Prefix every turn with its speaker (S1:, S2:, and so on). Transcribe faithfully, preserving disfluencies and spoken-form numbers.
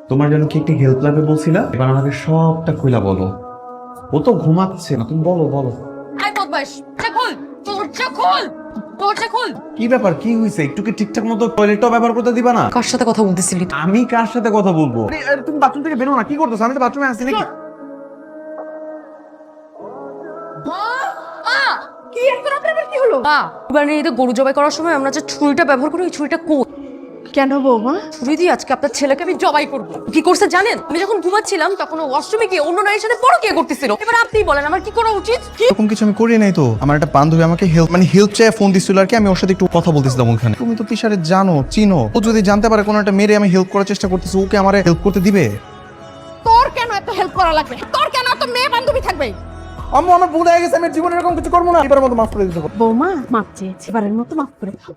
S1: তোমার জন্য কি একটি হেল্প লাগবে বলছিলা, এবার আমাকে সবটা খুলা বলো। ও তো ঘুমাচ্ছে না, তুমি বলো বলো।
S2: আই বদমাইশ, দরজা খোল, দরজা খোল, দরজা খোল।
S1: কি ব্যাপার, কি হয়েছে? একটু কি ঠিকঠাক মতো টয়লেটটাও ব্যবহার করতে দিবা না?
S2: কার সাথে কথা বলতেছিলি?
S1: আমি কার সাথে কথা বলবো? আরে, আরে, তুমি বাথরুম থেকে বেরো না, কি করতেছো? আমি তো বাথরুমে আছি নাকি?
S2: কি এখন আপনাদের কি হলো? মা, এবার এই গরু জবাই করার সময় আমরা যে ছুরিটা ব্যবহার করি, ওই ছুরিটা কই?
S3: কেন বৌমা?
S2: ছুরি দিয়ে আজকে আপনার ছেলেকে আমি জবাই করব। কি করছে জানেন? আমি যখন ঘুমাচ্ছিলাম তখন ও ওয়াশরুমে গিয়ে অন্য নারীর সাথে পরকীয়া করতেছিল। এবার আপনিই বলেন আমার কি করা উচিত? কি
S4: এরকম কিছু আমি করি নাই তো। আমার একটা বান্ধবী আমাকে হেল্প মানে হেল্প চেয়ে ফোন দিছিল আর কি, আমি ওর সাথে একটু কথা বলতেছিলাম ওখানে। তুমি তো তিশারে জানো, চিনো। ও যদি জানতে পারে কোনো একটা মেরে আমি হেল্প করার চেষ্টা করতেছি, ওকে আমারে হেল্প করতে দিবে?
S3: তোর কেন এত হেল্প করা লাগবে? তোর কেন এত মেয়ে বান্ধবী থাকবে?
S4: আম্মু, আমার ভুল হয়ে গেছে, আমি জীবনে এরকম কিছু করবো না, এবার মতো মাফ করে দিতে।
S3: বৌমা মাপ চেয়েছি, এবারের মতো মাফ করে দাও।